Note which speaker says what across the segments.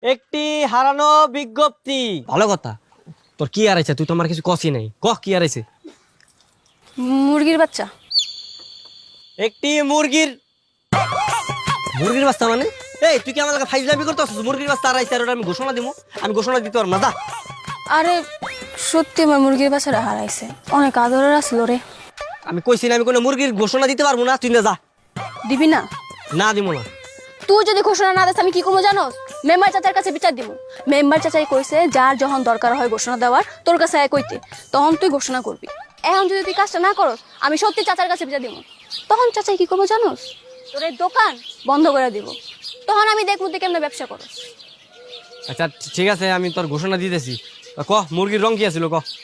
Speaker 1: একটি হারানো বিজ্ঞপ্তি। ভালো কথা। তোর কি আর আছে? তুই তো আমার কিছু কষি নাই। কহ কি আর আছে?
Speaker 2: মুরগির বাচ্চা।
Speaker 1: একটি মুরগির বাচ্চা মানে? এই তুই কি আমার লাগে ফাইজলামি করতেছিস? মুরগির বাচ্চা আর আইছে আর ওটা আমি ঘোষণা দিমু? আমি ঘোষণা দিতে পারবো না, যা।
Speaker 2: আরে সত্যি আমার মুরগির বাচ্চাটা হারাইছে, অনেক আদরের আসলো রে।
Speaker 1: আমি কইছি না আমি কোনো মুরগির ঘোষণা দিতে পারবো না, তুই না যা।
Speaker 2: দিবি না?
Speaker 1: না দিমু না।
Speaker 2: তুই যদি ঘোষণা না দিস আমি কি করবো জানোস? মেম্বার চাচার কাছে বিচার দিব। মেম্বার চাচাই কইছে যার যখন দরকার হয় ঘোষণা দেওয়ার তোর কাছে আয় কইতে, তখন তুই ঘোষণা করবি। এখন যদি তুই কাজটা না করস আমি সত্যি চাচার কাছে বিচার দিব। তখন চাচাই কি করবো জানোস? তোর এই দোকান বন্ধ করে দিব। তখন আমি দেখবো তুই কেমন ব্যবসা করস।
Speaker 1: আচ্ছা ঠিক আছে, আমি তোর ঘোষণা দিতেছি। কহ মুরগির রং কি আছিল? কহ।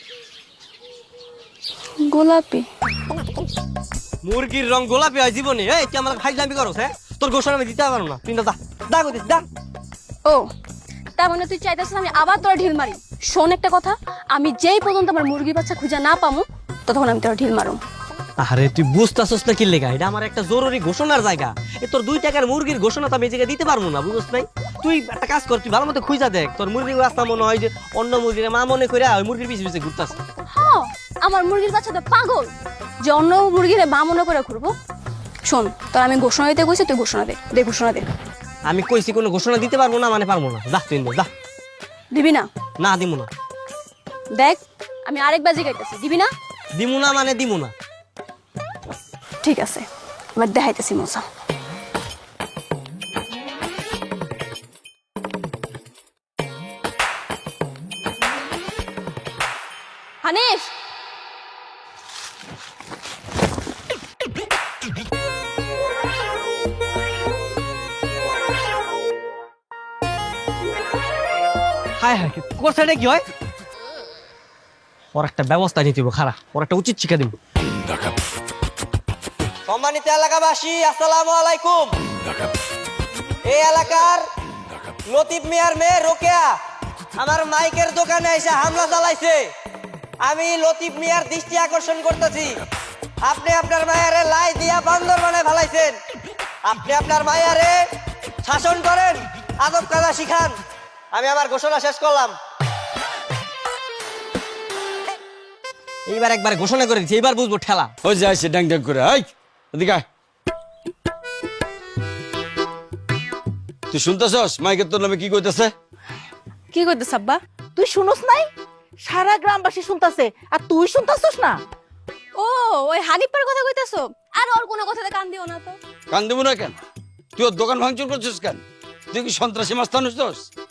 Speaker 2: গোলাপি।
Speaker 1: মুরগির রং গোলাপি হয় জীবনে? এই তুই আমার ফাইজলামি করস? হ্যাঁ, তোর ঘোষণা আমি দিতে পারবো না, তুই না যা। যা কইতেছি, যা।
Speaker 2: ও তার মানে তুই চাইতেছিস আমি আবার তোর ঢিল মারি? শোন একটা কথা, আমি যেই পর্যন্ত আমার মুরগির বাচ্চা খুঁজে না পামু ততক্ষণ আমি তোর ঢিল মারুম।
Speaker 1: আরে তুই বুঝতেছস না কি লেগা? এটা আমার একটা জরুরি ঘোষণার জায়গা। এ তোর 2 টাকার মুরগির ঘোষণা তো আমি এই জায়গায় দিতে পারবো না, বুঝছ নাই? তুই একটা কাজ কর, তুই ভালো মতো খুঁজা দেখ। তোর মুরগির রাস্তা মনে হয় যে অন্য মুরগির মা মনে করে ওই মুরগির পিছে পিছে ঘুরতাছে।
Speaker 2: হ্যাঁ, আমার মুরগির বাচ্চা তো পাগল যে অন্য মুরগিরে মা মনে করে ঘুরবো। শোন তোর আমি ঘোষণা দিতে কইছি, তুই ঘোষণা দে। দে ঘোষণা দে।
Speaker 1: আমি কইছি কোনো ঘোষণা দিতে পারবো না মানে পারবো না, যা তুই যা।
Speaker 2: দিবি না?
Speaker 1: না দিমু না।
Speaker 2: দেখ আমি আরেকবার জিগাইতেছি, দিবি না?
Speaker 1: দিমু না মানে দিমু না।
Speaker 2: ঠিক আছে, এবার দেখাইতেছি মজা। হানিফ,
Speaker 1: হায় হায়, কোর সাইডে কি হয়? ওর একটা ব্যবস্থা নিতে হবে, খারাপ। ওর একটা উচিত শিক্ষা দিব। সম্মানিত এলাকাবাসী, আসসালামু আলাইকুম। এই এলাকার লতিফ মিয়ার মেয়ে রোকেয়া আমার মাইকের দোকানে এসে হামলা চালাইছে। আমি লতিফ মিয়ার দৃষ্টি আকর্ষণ করতেছি। আপনি আপনার মায়ারে লাই দিয়া বান্দর বানায় ফেলাইছেন। আপনি আপনার মায়ারে শাসন করেন, আদব কায়দা শিখান। আমি আমার ঘোষণা শেষ করলাম। এইবার একবার ঘোষণা করে দিচ্ছি, এইবার বুঝবো ঠেলা।
Speaker 3: ওই যে আসছে ড্যাং ড্যাং করে, এই এদিকে আয়। তুই শুনতেছস মাইকের তোর নামে কি কইতেছে?
Speaker 4: কি কইতেছ আব্বা? তুই শুনোস নাই? সারা গ্রামবাসী শুনতাছে আর তুই শুনতাছস না?
Speaker 2: ও ওই হানিফের কথা কইতেছো? আর ওর কোনো কথাতে কান দিও না তো।
Speaker 3: কান দেবো না কেন? তুই ওর দোকান ভাঙচুর করছিস কেন? তুই কি সন্ত্রাসী মাস্তান হচ্ছিস?